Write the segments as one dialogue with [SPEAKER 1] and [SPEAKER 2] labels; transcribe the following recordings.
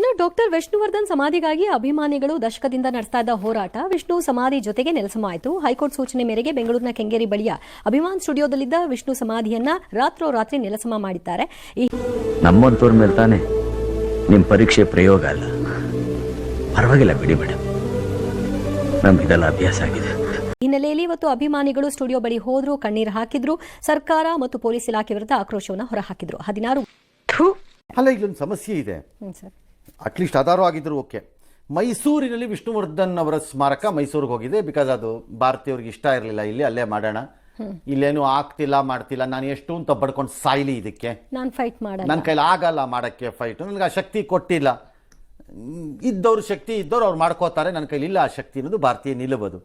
[SPEAKER 1] Doctor Vishnuvardhan ಸಮಾಧಿಗಾಗಿ ಅಭಿಮಾನಿಗಳು ದಶಕದಿಂದ ನಡೆಸ್ತಾ ಇದ್ದ ಹೋರಾಟ ವಿಷ್ಣು ಸಮಾಧಿ ಜೊತೆಗೆ ನೆಲಸಮಾಯಿತು. ಹೈಕೋರ್ಟ್ ಸೂಚನೆ ಮೇರೆಗೆ ಬೆಂಗಳೂರಿನ ಕೆಂಗೇರಿ ಬಳಿಯ ಅಭಿಮಾನ್ ಸ್ಟುಡಿಯೋದಲ್ಲಿದ್ದ ವಿಷ್ಣು ಸಮಾಧಿಯನ್ನ ರಾತ್ರೋರಾತ್ರಿ ನೆಲಸಮ ಮಾಡಿದ್ದಾರೆ.
[SPEAKER 2] ನಮ್ಮಂತವ್ರ ಮೇಲೆ ತಾನೆ ನಿಮ್ ಪರೀಕ್ಷೆ ಪ್ರಯೋಗ ಅಲ್ಲ. ಪರವಾಗಿಲ್ಲ ಬಿಡಿ ಮೇಡಮ್, ನಮ್ಗಿದೆಲ್ಲ ಅಭ್ಯಾಸ ಆಗಿದೆ.
[SPEAKER 1] ಹಿನ್ನೆಲೆಯಲ್ಲಿ ಇವತ್ತು ಅಭಿಮಾನಿಗಳು ಸ್ಟುಡಿಯೋ ಬಳಿ ಹೋದ್ರು, ಕಣ್ಣೀರು ಹಾಕಿದ್ರು, ಸರ್ಕಾರ ಮತ್ತು ಪೊಲೀಸ್ ಇಲಾಖೆ ವಿರುದ್ಧ ಆಕ್ರೋಶವನ್ನು ಹೊರಹಾಕಿದ್ರು. 16
[SPEAKER 3] ಅಲ್ಲ, ಇಲ್ಲೊಂದು ಸಮಸ್ಯೆ ಇದೆ. ಅಟ್ಲೀಸ್ಟ್ ಆಧಾರ ಆಗಿದ್ರು ಓಕೆ. ಮೈಸೂರಿನಲ್ಲಿ ವಿಷ್ಣುವರ್ಧನ್ ಅವರ ಸ್ಮಾರಕ ಮೈಸೂರಿಗೆ ಹೋಗಿದೆ. ಬಿಕಾಸ್ ಅದು ಭಾರತೀಯವ್ರಿಗೆ ಇಷ್ಟ ಇರಲಿಲ್ಲ. ಇಲ್ಲಿ ಅಲ್ಲೇ ಮಾಡೋಣ, ಇಲ್ಲೇನು ಆಗ್ತಿಲ್ಲ ಮಾಡ್ತಿಲ್ಲ, ನಾನು ಎಷ್ಟು ಅಂತ ಬಡ್ಕೊಂಡು ಸಾಯ್ಲಿ, ಇದಕ್ಕೆ
[SPEAKER 1] ನಾನು ಫೈಟ್ ಮಾಡಲ್ಲ,
[SPEAKER 3] ನನ್ನ ಕೈಲಿ ಆಗಲ್ಲ ಮಾಡೋಕ್ಕೆ ಫೈಟ್, ನನಗೆ ಆ ಶಕ್ತಿ ಕೊಟ್ಟಿಲ್ಲ. ಇದ್ದವ್ರ ಶಕ್ತಿ ಇದ್ದವ್ರು ಅವ್ರು ಮಾಡ್ಕೋತಾರೆ, ನನ್ನ ಕೈಲಿ ಇಲ್ಲ ಆ ಶಕ್ತಿ ಅನ್ನೋದು ಭಾರತೀಯ ನಿಲುವುದು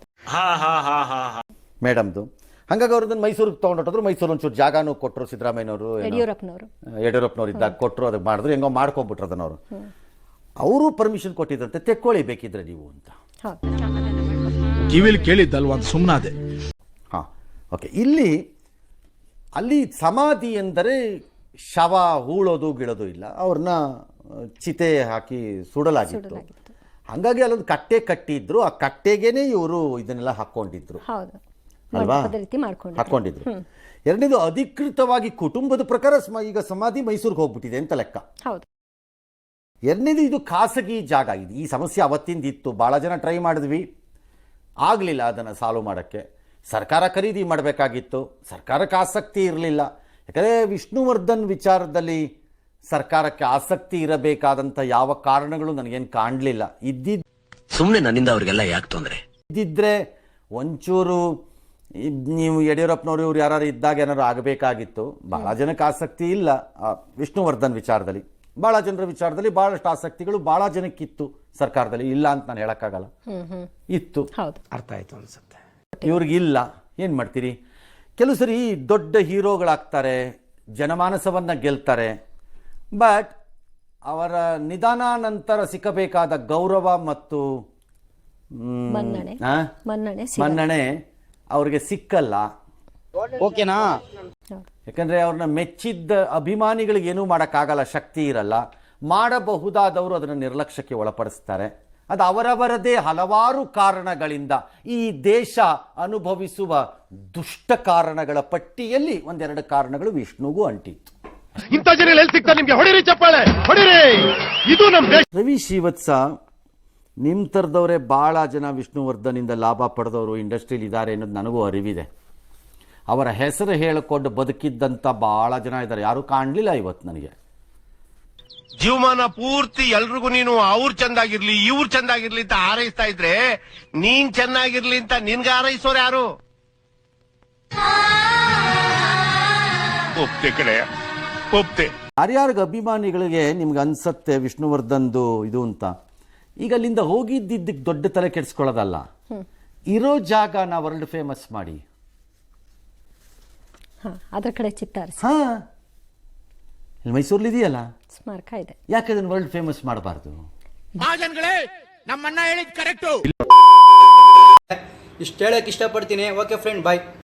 [SPEAKER 3] ಮೇಡಮ್ದು. ಹಂಗಾಗಿ ಅವ್ರದನ್ನು ಮೈಸೂರಿಗೆ ತೊಗೊಂಡೋದ್ರು. ಮೈಸೂರು ಒಂಚೂರು ಜಾಗಾನು ಕೊಟ್ಟರು, ಸಿದ್ದರಾಮಯ್ಯನವರು ಯಡಿಯೂರಪ್ಪನವ್ರು ಇದ್ದಾಗ ಕೊಟ್ಟರು, ಅದಕ್ಕೆ ಮಾಡಿದ್ರು, ಹೆಂಗೋ ಮಾಡ್ಕೊಂಡ್ಬಿಟ್ರು ಅದನ್ನವರು. ಅವರು ಪರ್ಮಿಷನ್ ಕೊಟ್ಟಿದ್ರಂತೆ, ತೆಕ್ಕೊಳ್ಳಿ ಬೇಕಿದ್ರೆ ನೀವು ಅಂತ.
[SPEAKER 4] ಕಿವಿಲ್ ಕೇಳಿದ್ದಲ್ವಾ, ಸುಮ್ಮನಾದೆ.
[SPEAKER 3] ಹಾಂ, ಓಕೆ. ಅಲ್ಲಿ ಸಮಾಧಿ ಎಂದರೆ ಶವ ಹೂಳೋದು ಗಿಳೋದು ಇಲ್ಲ, ಅವ್ರನ್ನ ಚಿತೆ ಹಾಕಿ ಸುಡಲಾಗಿತ್ತು. ಹಾಗಾಗಿ ಅಲ್ಲೊಂದು ಕಟ್ಟೆ ಕಟ್ಟಿದ್ರು, ಆ ಕಟ್ಟೆಗೇನೆ ಇವರು ಇದನ್ನೆಲ್ಲ ಹಾಕೊಂಡಿದ್ರು ಅಲ್ವಾ, ಹಾಕೊಂಡಿದ್ರು. ಎರಡನೇದು, ಅಧಿಕೃತವಾಗಿ ಕುಟುಂಬದ ಪ್ರಕಾರ ಈಗ ಸಮಾಧಿ ಮೈಸೂರಿಗೆ ಹೋಗ್ಬಿಟ್ಟಿದೆ ಅಂತ ಲೆಕ್ಕ. ಎರಡನೇದು, ಇದು ಖಾಸಗಿ ಜಾಗ. ಇದು ಈ ಸಮಸ್ಯೆ ಅವತ್ತಿಂದ ಇತ್ತು, ಭಾಳ ಜನ ಟ್ರೈ ಮಾಡಿದ್ವಿ, ಆಗಲಿಲ್ಲ ಅದನ್ನು ಸಾಲ್ವ್ ಮಾಡೋಕ್ಕೆ. ಸರ್ಕಾರ ಖರೀದಿ ಮಾಡಬೇಕಾಗಿತ್ತು, ಸರ್ಕಾರಕ್ಕೆ ಆಸಕ್ತಿ ಇರಲಿಲ್ಲ. ಯಾಕಂದರೆ ವಿಷ್ಣುವರ್ಧನ್ ವಿಚಾರದಲ್ಲಿ ಸರ್ಕಾರಕ್ಕೆ ಆಸಕ್ತಿ ಇರಬೇಕಾದಂಥ ಯಾವ ಕಾರಣಗಳು ನನಗೇನು ಕಾಣಲಿಲ್ಲ.
[SPEAKER 2] ಸುಮ್ಮನೆ ನನ್ನಿಂದ ಅವ್ರಿಗೆಲ್ಲ ಯಾಕೆ ತೊಂದರೆ
[SPEAKER 3] ಇದ್ದಿದ್ರೆ ಒಂಚೂರು ನೀವು ಯಡಿಯೂರಪ್ಪನವರು ಇವ್ರು ಯಾರು ಇದ್ದಾಗ ಏನಾದ್ರು ಆಗಬೇಕಾಗಿತ್ತು. ಭಾಳ ಜನಕ್ಕೆ ಆಸಕ್ತಿ ಇಲ್ಲ ವಿಷ್ಣುವರ್ಧನ್ ವಿಚಾರದಲ್ಲಿ. ಭಾಳ ಜನರ ವಿಚಾರದಲ್ಲಿ ಭಾಳಷ್ಟು ಆಸಕ್ತಿಗಳು ಭಾಳ ಜನಕ್ಕಿತ್ತು ಸರ್ಕಾರದಲ್ಲಿ, ಇಲ್ಲ ಅಂತ ನಾನು ಹೇಳೋಕ್ಕಾಗಲ್ಲ, ಇತ್ತು.
[SPEAKER 4] ಅರ್ಥ ಆಯ್ತು ಅನ್ಸುತ್ತೆ.
[SPEAKER 3] ಇವ್ರಿಗಿಲ್ಲ, ಏನು ಮಾಡ್ತೀರಿ? ಕೆಲವು ಸರಿ ದೊಡ್ಡ ಹೀರೋಗಳಾಗ್ತಾರೆ, ಜನಮಾನಸವನ್ನು ಗೆಲ್ತಾರೆ, ಬಟ್ ಅವರ ನಿಧಾನ ನಂತರ ಸಿಕ್ಕಬೇಕಾದ ಗೌರವ ಮತ್ತು ಮನ್ನಣೆ ಅವ್ರಿಗೆ ಸಿಕ್ಕಲ್ಲ.
[SPEAKER 5] ಓಕೆನಾ?
[SPEAKER 3] ಯಾಕಂದ್ರೆ ಅವ್ರನ್ನ ಮೆಚ್ಚಿದ್ದ ಅಭಿಮಾನಿಗಳಿಗೆ ಏನೂ ಮಾಡೋಕ್ಕಾಗಲ್ಲ, ಶಕ್ತಿ ಇರಲ್ಲ. ಮಾಡಬಹುದಾದವರು ಅದನ್ನು ನಿರ್ಲಕ್ಷ್ಯಕ್ಕೆ ಒಳಪಡಿಸ್ತಾರೆ. ಅದು ಅವರವರದೇ ಹಲವಾರು ಕಾರಣಗಳಿಂದ ಈ ದೇಶ ಅನುಭವಿಸುವ ದುಷ್ಟ ಕಾರಣಗಳ ಪಟ್ಟಿಯಲ್ಲಿ ಒಂದೆರಡು ಕಾರಣಗಳು ವಿಷ್ಣುಗೂ ಅಂಟಿತ್ತು.
[SPEAKER 6] ಇಂಥ ಜನ ಎಲ್ಲಿ ಸಿಗ್ತಾರೆ ನಿಮ್ಗೆ? ಹೊಡಿರಿ ಚಪ್ಪಾಳೆ, ಹೊಡಿರಿ. ಇದು ನಮ್ಮ ದೇಶ.
[SPEAKER 3] ರವಿ ಶ್ರೀವತ್ಸ, ನಿಮ್ಮ ಥರದವರೇ ಭಾಳ ಜನ ವಿಷ್ಣುವರ್ಧನಿಂದ ಲಾಭ ಪಡೆದವರು ಇಂಡಸ್ಟ್ರಿಯಲ್ಲಿ ಇದ್ದಾರೆ ಅನ್ನೋದು ನನಗೂ ಅರಿವಿದೆ. ಅವರ ಹೆಸರು ಹೇಳಿಕೊಂಡು ಬದುಕಿದ್ದಂಥ ಭಾಳ ಜನ ಇದ್ದಾರೆ, ಯಾರೂ ಕಾಣಲಿಲ್ಲ ಇವತ್ತು ನನಗೆ.
[SPEAKER 6] ಜೀವಮಾನ ಪೂರ್ತಿ ಎಲ್ರಿಗೂ ನೀನು ಅವ್ರು ಚಂದಾಗಿರ್ಲಿ ಇವ್ರು ಚಂದಾಗಿರ್ಲಿ ಅಂತ ಹಾರೈಸ್ತಾ ಇದ್ರೆ, ನೀನ್ ಚೆನ್ನಾಗಿರ್ಲಿ ಅಂತ ನಿನ್ಗೆ ಹಾರೈಸೋರು ಯಾರು? ಒಪ್ತೆ ಕಡೆ ಒಪ್ತೆ.
[SPEAKER 3] ಯಾರ್ಯಾರಿಗೆ ಅಭಿಮಾನಿಗಳಿಗೆ ನಿಮ್ಗೆ ಅನ್ಸತ್ತೆ ವಿಷ್ಣುವರ್ಧನ್ದು ಇದು ಅಂತ, ಈಗ ಅಲ್ಲಿಂದ ಹೋಗಿದ್ದಕ್ಕೆ ದೊಡ್ಡ ತಲೆ ಕೆಡಿಸ್ಕೊಳ್ಳೋದಲ್ಲ, ಇರೋ ಜಾಗನ ವರ್ಲ್ಡ್ ಫೇಮಸ್ ಮಾಡಿ.
[SPEAKER 1] ಅದರ ಕಡೆ ಚಿತ್ತಾರಿಸಿ.
[SPEAKER 3] ಹಾ, ಇಲ್ಲಿ ಮೈಸೂರಲ್ಲಿ ಇದೆಯಲ್ಲ
[SPEAKER 1] ಸ್ಮಾರಕ ಇದೆ,
[SPEAKER 3] ಯಾಕೆ ಅದನ್ನು ವರ್ಲ್ಡ್ ಫೇಮಸ್ ಮಾಡಬಾರ್ದು?
[SPEAKER 5] ನಮ್ಮಣ್ಣ ಹೇಳಿದ್ ಕರೆಕ್ಟು. ಇಷ್ಟು ಹೇಳಕ್ ಇಷ್ಟಪಡ್ತೀನಿ. ಓಕೆ ಫ್ರೆಂಡ್, ಬಾಯ್.